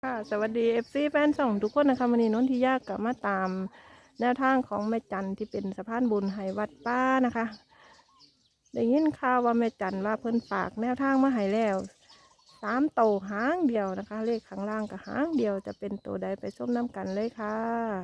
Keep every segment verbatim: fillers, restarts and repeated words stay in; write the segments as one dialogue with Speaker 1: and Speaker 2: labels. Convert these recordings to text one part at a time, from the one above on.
Speaker 1: ค่ะสวัสดีเอฟซีแฟนส่องทุกคนนะคะวันนี้นนทิยากลับมาตามแนวทางของแม่จันที่เป็นสะพานบุญให้วัดป้านะคะได้ยินข่าวว่าแม่จันว่าเพิ่นฝากแนวทางมาให้แล้วสามโตหางเดียวนะคะ เลขข้างล่างกับหางเดียวจะเป็นตัวใดไปส้มน้ำกันเลยค่ะ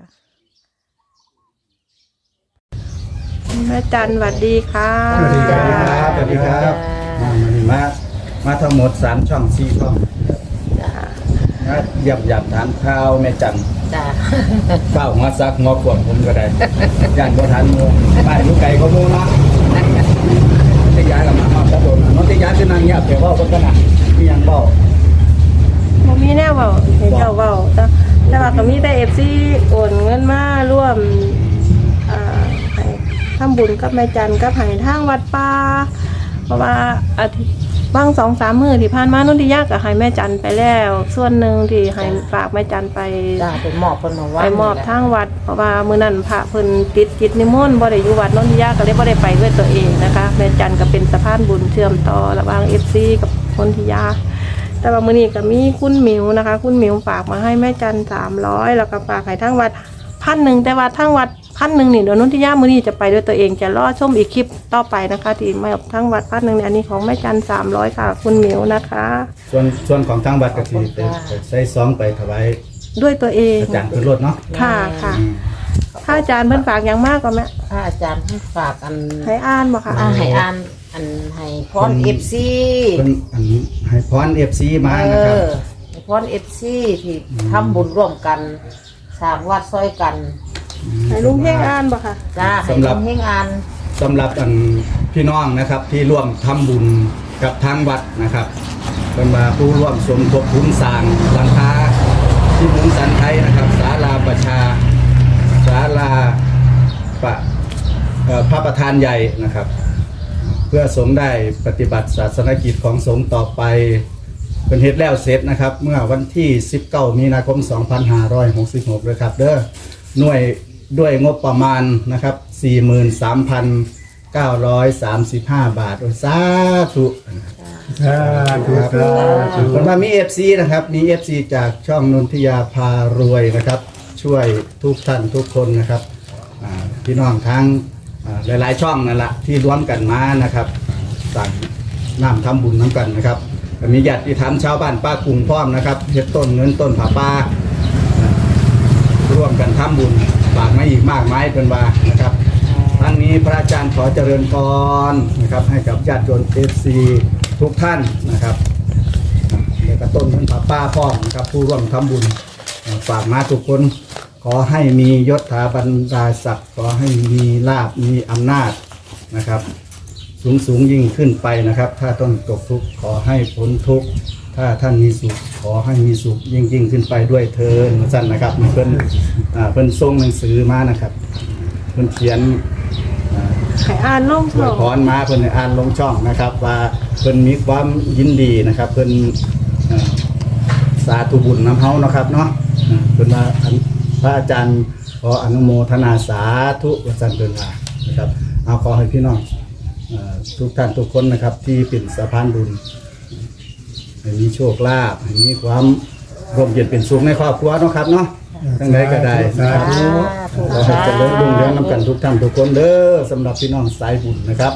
Speaker 1: แม่จันสวัสดีค่ะ
Speaker 2: สวัสดีครับสวัสดีครับมามามาทั้งหมดสามช่องสี่ช่องนะเยี่ยมยามถามข่าวแม่จันจ้าเฝ้าหัวซักหัวขวบผมก็ได้ย่านบ่ทันโมบ้านอยู่ไกลก็โมนะที่ย้ายกับมาเอาตะโดนน้องที่ย้ายคือนั่งเงียบเดี๋ยวเว้ากันนะมีหยังเว้า
Speaker 1: บ่มีแนวเว้าเห็นเจ้าเว้าแต่แต่ว่าก็มีแต่ เอฟ ซี โอนเงินมาร่วมอ่าให้ทำบุญกับแม่จันกับให้ทางวัดป่าเพราะว่าอาทิตย์บางสองสามมื้อที่ผ่านมานนทิยาก็ให้แม่จันไปแล้วส่วนหนึ่งที่ให้ฝากแม่จันไป
Speaker 3: จ้าไปมอบเพิ่นมาวัด
Speaker 1: ไปมอบทางวัดเพราะว่ามื้อนั้นพระเพิ่นติดกิจนิมนต์บ่ได้อยู่วัดนนทิยาก็เลยบ่ได้ไปด้วยตัวเองนะคะแม่จันก็เป็นสะพานบุญเชื่อมต่อระหว่าง เอฟ ซี กับนนทิยาแต่ว่ามื้อนี้ก็มีคุณหมิวนะคะคุณหมิวฝากมาให้แม่จันสามร้อยแล้วก็ฝากให้ทางวัดพันหนึ่งแต่ว่าทางวัดพันหนึ่งนี่เดี๋ยวนนทิยามื้อนี้จะไปด้วยตัวเองจะรอชมอีกคลิปต่อไปนะคะที่มาทางวัดพันหนึ่งเนี่ยอันนี้ของแม่จันสามร้อยค่ะคุณหมิวนะคะ
Speaker 2: ส่วนส่วนของทางวัดก็สิไปใส่ซองไปถวาย
Speaker 1: ด้วยตัวเอง
Speaker 2: อาจารย์ขึ้นรถเนาะ
Speaker 1: ค่ะค่ะถ้าอาจารย์เพิ่นฝากอย่างมากก็แม่
Speaker 3: ถ้าอาจารย์เพิ่นฝากอัน
Speaker 1: ให้อ่านบ่ค่ะ
Speaker 3: ให้อ่านอันให้พร เอฟ ซี
Speaker 2: เพิ่นอันให้พร เอฟ ซี มานะครับ
Speaker 3: ให้พร เอฟ ซี ที่ทำบุญร่วมกันสร้างวัดซอยกัน
Speaker 1: ให้ลุงเฮงอ่านบ่ค่ะ
Speaker 3: จ้าให้ลุงเฮงอ่าน
Speaker 2: สำหรับอันพี่น้องนะครับที่ร่วมทำบุญกับทางวัดนะครับเป็นมาผู้ร่วมสมทบทุนสร้างหลังคาที่มุงสันไทยนะครับศาลาประชาศาลาประพระประธานใหญ่นะครับเพื่อสงฆ์ได้ปฏิบัติศาสนกิจของสงฆ์ต่อไปเป็นเหตุแล้วเสร็จนะครับเมื่อวันที่สิบเก้ามีนาคมสองพันห้าร้อยหกสิบหกเลยครับเด้อหน่วยด้วยงบประมาณนะครับ สี่หมื่นสามพันเก้าร้อยสามสิบห้า บาทโอ้สาธุสาธุครับคนมามี เอฟ ซี นะครับมี เอฟ ซี จากช่องนนทิยาพารวยนะครับช่วยทุกท่านทุกคนนะครับพี่น้องทั้งหลายๆช่องนั่นแหละที่ร่วมกันมานะครับสั่งน้ำทำบุญน้ำกันนะครับมีญาติธรรมชาวบ้านป้ากรุงพร้อมนะครับเฮ็ดต้นเงินต้นผาป่าร่วมกันทำบุญฝากมาอีกมากมายเป็นว่านะครับทั้งนี้พระอาจารย์ขอเจริญพรนะครับให้กับญาติโยม เอฟ ซี ทุกท่านนะครับแล้วก็ต้นเงินผาป่าพร้อมนะครับผู้ร่วมทำบุญฝากมาทุกคนขอให้มียศถาบรรดาศักดิ์ขอให้มีลาภมีอำนาจนะครับสูงสูงยิ่งขึ้นไปนะครับถ้าต้องตกทุกข์ขอให้พ้นทุกข์ถ้าท่านมีสุขขอให้มีสุขยิ่งยิ่งขึ้นไปด้วยเถิดสั้นนะครับเพิ่นเพิ่นส่งหนังสือมานะครับเพิ่นเขียน
Speaker 1: ให้อ่านลงช่อง
Speaker 2: พรมาเพิ่นอ่านลงช่องนะครับว่าเพิ่นมีความยินดีนะครับเพิ่นสาธุบุญน้ำเฮานะครับเนาะเพิ่นว่าพระอาจารย์ขออนุโมทนาสาธุว่าซั่นเพิ่นว่านะครับเอาขอให้พี่น้องทุกท่านทุกคนนะครับที่เป็นสะพานบุญให้มีโชคลาภให้มีความร่มเย็นเป็นสุขในครอบครัวเนาะครับเนาะทั้งใดก็ได้นะครับขอให้เจริญรุ่งเรืองนำกันทุกท่านทุกคนเด้อสำหรับพี่น้องสายบุญนะครับ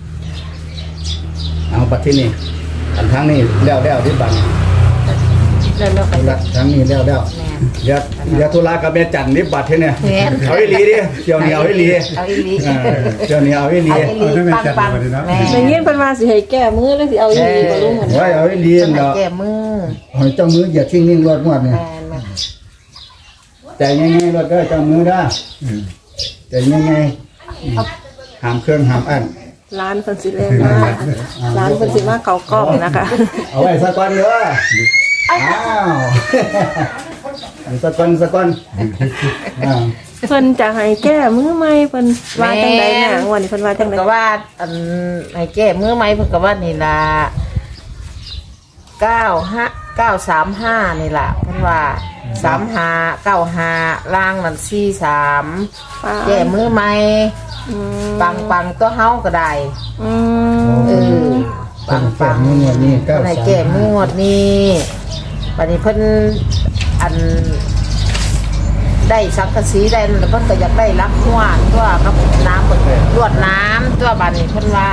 Speaker 2: เอาปัดที่นี่อันทั้งนี้แล้วแล้วที่บัง
Speaker 3: แล้วๆกัน
Speaker 2: ทั้งนี้แล้วแล้วเดี๋ยวเดี๋ยวธุระกับแม่จันนิบบัตรเนี่ยเอาอีหลีดิเดี๋ยวนี้เอาอีหลี
Speaker 3: เอาอีหลี
Speaker 2: เดี๋ยวนี้เอาอีหลี
Speaker 3: ปังปัง
Speaker 1: ในเงี้ยเป็นมาสิให้แก้มือแล้วสิเอาอีหลีบ่รู้เหมือน
Speaker 2: กันเอาอีหลีเนาะ
Speaker 3: แก้มือ
Speaker 2: หอยเจ้ามืออย่าทิ้งนิ่งรถงวดเนี่ยใจง่ายๆรถเด้อเจ้ามือเด้อใจง่ายๆหามเครื่องหามอัน
Speaker 1: ร้านเพิ่นสิเล่นมาร้านเพิ่นสิมาเก่ากล้องนะคะ
Speaker 2: เอาไว้สักวันเด้ออ้าวสักวันสักวัน
Speaker 1: เพิ่นจะให้แก้มือใหม่เพิ่นว่าจังได๋น่ะงวดนี้เพิ่นว่าจังได๋
Speaker 3: ก็ว่าอันให้แก้มือใหม่เพิ่นก็ว่านี่ล่ะเก้าห้าเก้าสามห้านี่ล่ะเพิ่นว่าสามห้าเก้าห้าล่างนั่นสี่สามแก้มือใหม่ปังปังตัวเฮาก็ได้
Speaker 1: อื
Speaker 3: มเออปังปัง
Speaker 2: งวดนี้
Speaker 3: ก็ให้แก้มือหมดนี้บัดนี้เพิ่นอันได้สังกะสีได้แล้วเพิ่นก็อยากได้รักหัวตัวกับน้ำเพิ่นลวดน้ำตัวบัดนี้เพิ่นว่า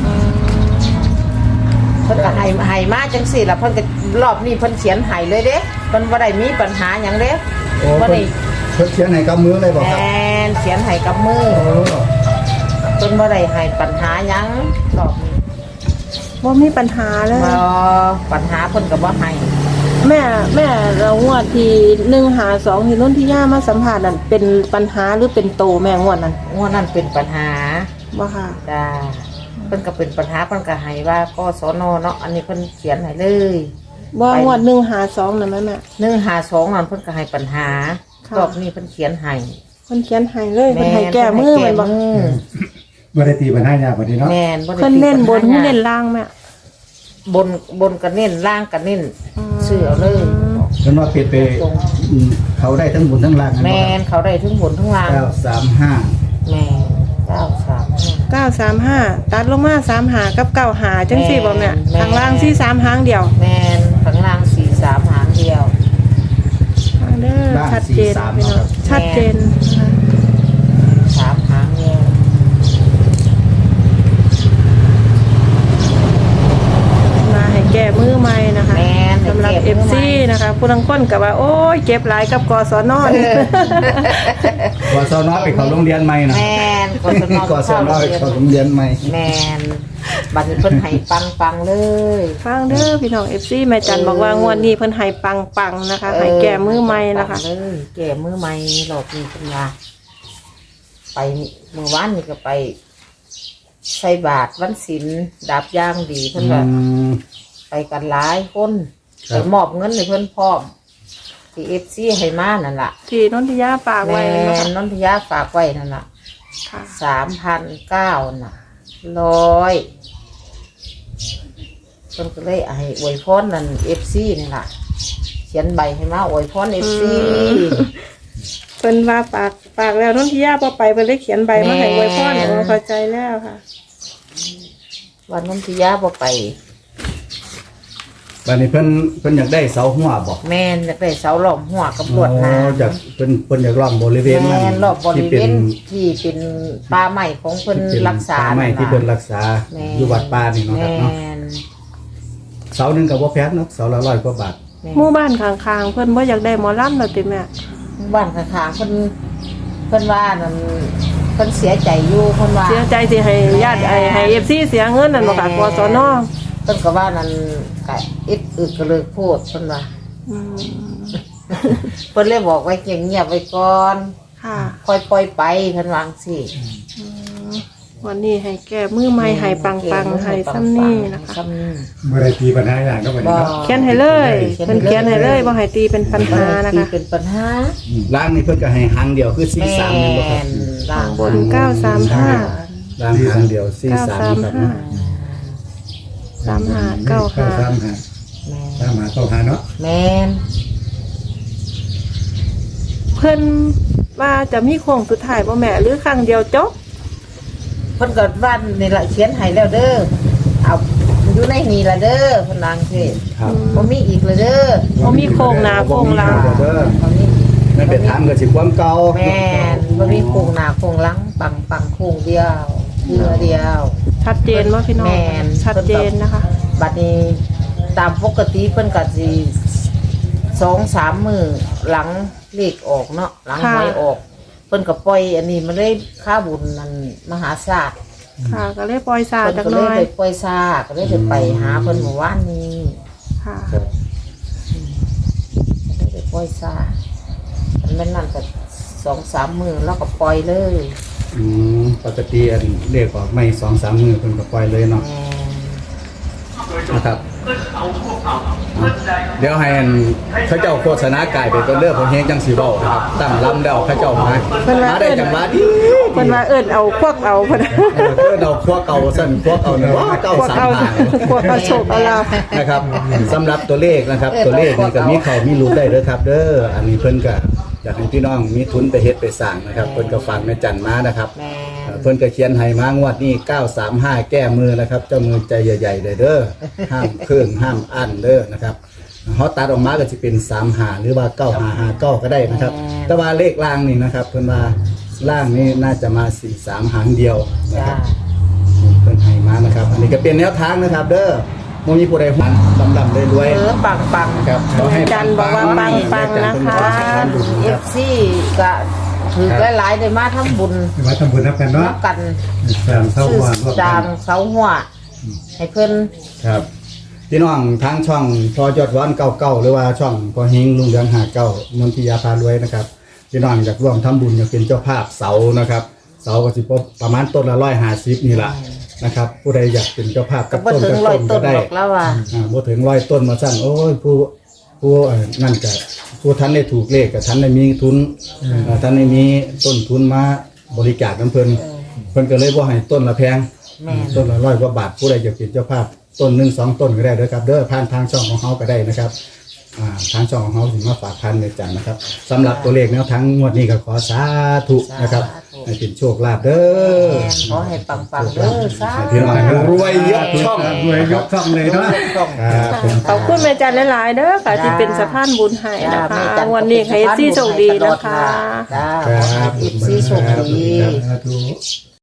Speaker 3: เพิ่นก็ให้ให้มาจังซี่ล่ะเพิ่นก็รอบนี้เพิ่นเขียนให้เลยเด้เพิ่นบ่ได้มีปัญหาหยังเด้
Speaker 2: โอ้
Speaker 3: บ่
Speaker 2: เพิ่
Speaker 3: ได้
Speaker 2: นเพิ่นเขียนให้กับมือเลยบอก
Speaker 3: แม
Speaker 2: ครับ
Speaker 3: นเขียนให้กับมือ
Speaker 2: โอ้
Speaker 3: เพิ่นบ่ได้ให้ปัญหาหยังรอบนี้
Speaker 1: บ่มีปัญหาเลย
Speaker 3: บ่ปัญหาเพิ่นก็บ่ให้
Speaker 1: แม่แม่เรางวดที่หนึ่งหาสองที่นุ่นที่ย่ามาสัมผัสนั่นเป็นปัญหาหรือเป็นโตแม่งวดนั้น
Speaker 3: งวดนั้นเป็นปัญหา
Speaker 1: บ่ค่ะ
Speaker 3: จ้าเพิ่นก็เป็นปัญหาเพิ่นก็ให้ว่ากสนเนาะอันนี้เพิ่นเขียนให้เลย
Speaker 1: บ่งวดหนึ่งหาสองนั่นแม่แม่
Speaker 3: หนึ่งห้าสองนั่นเพิ่นก็ให้ปัญหา
Speaker 1: ค่ะ
Speaker 3: รอบนี้เพิ่นเขียนให้
Speaker 1: เพิ่นเขียนให้เลยเพิ่นให้แก้มือ
Speaker 3: เพิ่
Speaker 1: แมัน
Speaker 3: น
Speaker 1: บ่
Speaker 3: ให้แก้มือ
Speaker 4: บ่ได้ตีปัญหายากกว่านี้เนาะ
Speaker 3: แม่นบ่ได้
Speaker 1: เพิ่นเน้นบน
Speaker 3: ติดปัญหา
Speaker 1: เน้นล่างแม่
Speaker 3: บนบนก็เน้นล่างก็เน้น
Speaker 1: อืม
Speaker 3: เสื้อเลย
Speaker 2: เพิ่นว่าเปลี่ยนไปอืมเขาได้ทั้งบุญทั้งล่างนะ
Speaker 3: แม่นเขาได้ทั้งบนทั้งล่าง
Speaker 2: เก้าสามห้า
Speaker 3: แม่เก้าสามห้า
Speaker 1: เก้าสามห้าตัดลงมาสามหากับเก้าหาจังสี่บ่แม่
Speaker 3: แม่
Speaker 1: ทางล่างสี่สามหางเดียว
Speaker 3: แมนข้างล่างสี่สามหางเดียว
Speaker 1: เด้อชัดเจนพี่น้องชัดเจนนะคะ
Speaker 3: สามหางเดียว
Speaker 1: มาให้แก้มือใหม่นะคะ
Speaker 3: แมน
Speaker 1: สำหรับ เอฟ ซี นะคะผู้ลังก้นกับว่าโอ้ยเจ็บหลายกับกศนนี่
Speaker 2: กศนไปเขาโรงเรียนใหม่นะ
Speaker 3: แมนกศน
Speaker 2: กศนไปเขาโรงเรียนใหม่
Speaker 3: แมนบัดนี้เพิ่นให้ปังปังๆเลย
Speaker 1: ฟังเด้อพี่น้อง เอฟ ซี แม่จันบอกว่างวดนี้เพิ่นให้ปังๆนะคะให้แก้มือใหม่นะคะ
Speaker 3: ปังเลยแก่มือใหม่รอบนี้เพิ่นว่าไปเมื่อวานนี่ก็ไปใส่บาตรวันศีลดาบย่างดีเพิ่นว่า
Speaker 2: อืม
Speaker 3: ไปกันหลายคน
Speaker 2: ครั
Speaker 3: ไป
Speaker 2: บ
Speaker 3: มอบเงินให้เพิ่นพร้อมที่เอฟซีให้มานั่นล่ะ
Speaker 1: ที่นนทิยาฝาก
Speaker 3: แม่
Speaker 1: ไว้นะคะ
Speaker 3: นนทยาฝากไว้นั่นล่ะ
Speaker 1: ค่ะ
Speaker 3: สามพันเก้าน่ะร้อยเพิ่นก็เลยให้อวยพรนั่นเอฟซีนี่ล่ะเขียนใบให้มาอวยพรเอฟซี
Speaker 1: เพิ่นว่าฝากฝากแล้วนนทิยาบ่ไปเพิ่นเลยเขียนใบมาให้อวยพร
Speaker 3: แม่
Speaker 1: โอ้เข้าใจแล้วค่ะ
Speaker 3: วันนนทยาบ่ไป
Speaker 2: บัดนี้เพิ่นเพิ่นอยากได้เสาหัวบอก
Speaker 3: แม่นอยากได้เสาหล้อมหัวกับลวดหน้
Speaker 2: อ๋อจากเพิ่นเพิ่นอยากล้อมบริเวณนั้น
Speaker 3: แม่นรอบบริเว
Speaker 2: ที่
Speaker 3: ณ
Speaker 2: น
Speaker 3: ที่เป็นป่าไม้ของเพิ่น
Speaker 2: ที่เป็น
Speaker 3: รักษา
Speaker 2: ป่ไม้
Speaker 3: นั่น
Speaker 2: ที่
Speaker 3: ล่ะ
Speaker 2: เพิ่นรักษา
Speaker 3: แม่
Speaker 2: อยู่วัดป่านี่เนาะครับเนาะ
Speaker 3: แม่น
Speaker 2: เสาหนึงก็บ่แพงเนาะเสาละร้อยกว่าบาท
Speaker 3: แม่น
Speaker 1: หมู่บ้านข้างๆเพิ่นบ่อยากได้หมอลำแล้วติแม่
Speaker 3: บ้านข้างๆเพิ่นเพิ่นว่านั่นเพิ่นเสียใจอยู่เพิ่นว่า
Speaker 1: เสียใจสิให้ญาติไอ้ให้ เอฟ ซี เสียเงินนั่นบ่ค่ะกศน
Speaker 3: เพิ่นก็ว่านั่นก็อึดอึดก็เลยพูดเพิ่นว่า
Speaker 1: อืม
Speaker 3: เพิ่นเลยบอกไว้เงียบๆไว้ก่อน
Speaker 1: ค่ะ
Speaker 3: ค่อยปล่อยไปเพิ่นวาจั่งสิ
Speaker 1: วันนี้ให้แก้มือใหม่ให้ปังๆให้ซ้ำนี่นะคะ
Speaker 3: ซ้ำนี่
Speaker 4: บ่ได้ตีปัญหายากก็บ่นี้เนาะ
Speaker 1: เขียนให้เลยเพิ่นเขียนให้เลยบ่ให้ตีเป็นปัญหานะ
Speaker 3: ที่
Speaker 1: คะ
Speaker 3: เป็นปัญหา
Speaker 2: ล่างนี่เพิ่นก็ให้หางเดียวคือสี่
Speaker 3: แม่
Speaker 2: สามนี่บ่ครับ
Speaker 3: นล่าง
Speaker 1: บนเก้าสามห้า
Speaker 2: ล่างหางเดียวสี่
Speaker 1: เก้า
Speaker 2: สาม
Speaker 1: สาม
Speaker 2: ครับ
Speaker 1: ห้า
Speaker 2: เนาะ
Speaker 1: สามห้าเก้าห้า
Speaker 4: สามห้า
Speaker 3: แม่
Speaker 4: สามห้าเก้าห้าเนาะ
Speaker 3: แม่น
Speaker 1: เพิ่นว่าจะมีโค้งสุดท้ายบ่แม่หรือครั้งเดียวจบ
Speaker 3: เพิ่นก็ว่านี่ล่ะเขียนให้แล้วเด้อเอาอยู่ในนี่ล่ะเด้อเพิ่นวาจั่งสิ
Speaker 2: ครับ
Speaker 3: บ่มีอีกเลยเด้อ
Speaker 1: บ่มีโค้งหน้าโค้งหลัง
Speaker 2: บ่มีเด้อ
Speaker 3: บ่มี
Speaker 2: นั่นเป็นถามก็สิความเก่า
Speaker 3: แม่นบ่มีโครงหน้าโครงหลังปังปังโครงเดียวเรือเดียว
Speaker 1: ชัดเจนว่าพี่น้อง
Speaker 3: แม่น
Speaker 1: ชัดเจนนะคะ
Speaker 3: บัดนี้ตามปกติเพิ่นก็สิสองสามมื้อหลังเลขออกเนาะหลังหวยออก เพิ่นก็ปล่อยอันนี้มันเลยค่าบุญนั่นมหาศาล
Speaker 1: ค่ะก็เลยปล่อยซา
Speaker 3: เพิ่น
Speaker 1: จัก
Speaker 3: ก็
Speaker 1: ห
Speaker 3: เล
Speaker 1: น่
Speaker 3: ย
Speaker 1: อย
Speaker 3: ไปปล่อยซาก็เลยได้ไปหาเพิ่นเมื่อวานนี้
Speaker 1: ค่ะ
Speaker 2: ครับ
Speaker 3: ก็เลยไปปล่อยซาอันนั้นนั่นก็สองสามมื้อแล้วก็ปล่อยเลย
Speaker 2: อืมปกติอันเรียกออกไม่สองสามมือเพิ่นก็ปล่อยเลยเนาะ
Speaker 3: แม่น
Speaker 2: นะครับเดี๋ยวให้อันเขาเจ้าโฆษณากายไปก็เลือกของเฮงจังสีเบานะครับตั้งลำแล้วเขาเจ้ามามาได้จังหวะดี
Speaker 1: เพิ่นว่าเอิ้นเอาพวกเอาเพิ่น
Speaker 2: เพื่อเราพวกเก่าสั่นพวกเก่าเนี่ยว่าเก่า
Speaker 1: พวก
Speaker 2: สาม
Speaker 1: เอา
Speaker 2: หาง
Speaker 1: พวกเอาโชคเอาลาภ
Speaker 2: นะครับสำหรับตัวเลขนะครับ ตัวเลขนี่ก็มีเขามีรู้ได้เด้อครับ เด้ออันนี้เพิ่นก็อยากให้พี่น้องมีทุนไปเฮ็ดไปสร้างนะครับเพิ่นก็ฟังแม่จันมานะครับ
Speaker 3: แม่
Speaker 2: เอ่อเพิ่นก็เขียนให้มางวดนี้เก้าสามห้าแก้มือนะครับ เจ้ามือใจใหญ่ๆเลยเด้อห้ามเครื่องห้ามอั้นเด้อนะครับเขาตัดออกมาก็จะเป็นสามหาหรือว่าเก้าหาหาเก้าก็ได้นะครับ แต่ว่าเลขล่างนี่นะครับเพิ่นว่าล่างนี่น่าจะมาสี่สามหางเดียวนะค
Speaker 3: จ้า
Speaker 2: รับนี่เพิ่นให้มานะครับ อันนี้ก็เป็นแนวทางนะครับ เด้อบ่มีผู้ใดหวังลำลำรวย
Speaker 3: เออปังปัง
Speaker 2: ๆนะครับขอให้
Speaker 1: จันบอกว่าปังๆนะคะ
Speaker 3: เอฟซีก็ถือหลายๆได้มาทำบุญ
Speaker 4: มาทำบุญนับกันเนาะ
Speaker 3: นับกัน
Speaker 4: สามเท่า
Speaker 3: ซื้อ
Speaker 4: หัวรวม
Speaker 3: จา
Speaker 4: กั
Speaker 3: ง
Speaker 4: น
Speaker 3: เสาหัวให้เพิ่น
Speaker 2: ครับพี่น้องทางช่องพอยอดวันเก้าเก้าหรือว่าช่องพอเฮงลุงเรืองหาเก้านนทิยาพารวยนะครับพี่น้องอยากร่วมทำบุญอยากเป็นเจ้าภาพเสานะครับ เสาก็สิประมาณต้นละร้อยห้าสิบนี่แหละนะครับผู้ใดอยากเป็นเจ้าภาพ
Speaker 3: ก็
Speaker 2: กับ
Speaker 3: บ่
Speaker 2: ต้น
Speaker 3: ถึง
Speaker 2: กับ
Speaker 3: ร้อย
Speaker 2: ต้น
Speaker 3: ต้
Speaker 2: ก็
Speaker 3: น
Speaker 2: ได้
Speaker 3: หรอกแล้วว่า
Speaker 2: อ่าบ่ถึงร้อยต้นมาสั่งโอ้ยผู้ผู้เอ่อนั่นก็ผู้ท่านได้ถูกเลขกับท่านได้มีทุนเอ่อท่านได้มีต้นทุนมาบริจาคน้ำเพิ่นเพิ่นก็เลยบ่ให้ต้นละแพง
Speaker 3: แม่น
Speaker 2: ต้นละร้อยกว่าบาทผู้ใดอยากเป็นเจ้าภาพต้นหนึ่งสองต้นก็ได้เด้อครับเด้อผ่านทางช่องของเขาก็ได้นะครับอ่าทางช่องของเขาถึงมาฝากพันในจันนะครับสำหรับตัวเลขแนวทางงวดนี้ก็ขอสาธุนะครับให้เป็นโชคลาภเด้อ
Speaker 3: แม่นขอให้ปังปังๆเด้อสา
Speaker 2: ให้พี่น้องรวยยกช่อง
Speaker 4: รวยยกช่องเลยเนาะ
Speaker 3: ต้อง
Speaker 2: ครับผม
Speaker 1: ขอบคุณแม่จันหลายๆเด้อค่ะที่เป็นสะพานบุญให้นะคะวันนี้ให้ซี่โชคดีนะคะ
Speaker 3: จ้า
Speaker 2: ครับ
Speaker 3: เอฟซีโชคดี
Speaker 4: สาธุ